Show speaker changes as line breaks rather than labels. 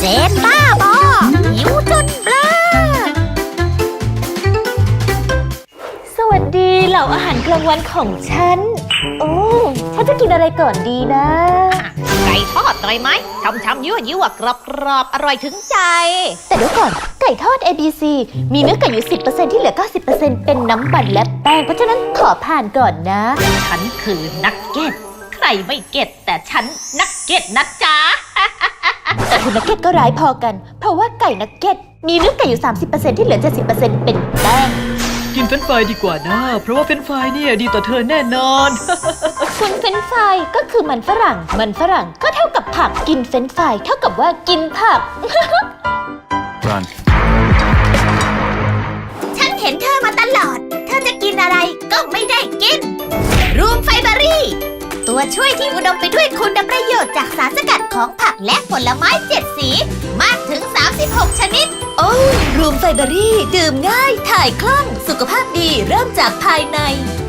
นบ้าบอหิวจนเบลอ
สวัสดีเหล่าอาหารกลางวันของฉันโอ้ฉันจะกินอะไรก่อนดีนะ
ไก่ทอดอร่อยไหมช่ำๆยั่วๆกรอบๆอร่อยถึงใจ
แต่เดี๋ยวก่อนไก่ทอด ABC มีเนื้อไก่อยู่ 10% ที่เหลือ 90%เป็นน้ำมันและแป้งเพราะฉะนั้นขอผ่านก่อนนะ
ฉันคือนักเก็ตใครไม่เก็ตแต่ฉันนักเก็ตนะจ๊ะ
แต่คุณนักเก็ตก็ร้ายพอกัน เพราะว่าไก่นักเก็ตมีเนื้อไก่อยู่ 30% ที่เหลือ 70% เป็นแป้ง
กินเฟรนช์ฟรายดีกว่านะ เพราะว่าเฟรนช์ฟรายเนี่ยดีต่อเธอแน่นอน
คุณเฟรนช์ฟรายก็คือมันฝรั่งก็เท่ากับผักกินเฟรนช์ฟรายเท่ากับว่ากินผัก
Run.
ฉันเห็นเธอมาตลอด เธอจะกินอะไรก็ไม่ได้กิน รูมไฟเบอรี่ ตัวช่วยที่อุดมไปด้วยคุณประโยชน์จากสารสกัดของผักและผลไม้7 สีมากถึง 36 ชนิด
โอ้รูมไฟเบอรี่ดื่มง่ายถ่ายคล่องสุขภาพดีเริ่มจากภายใน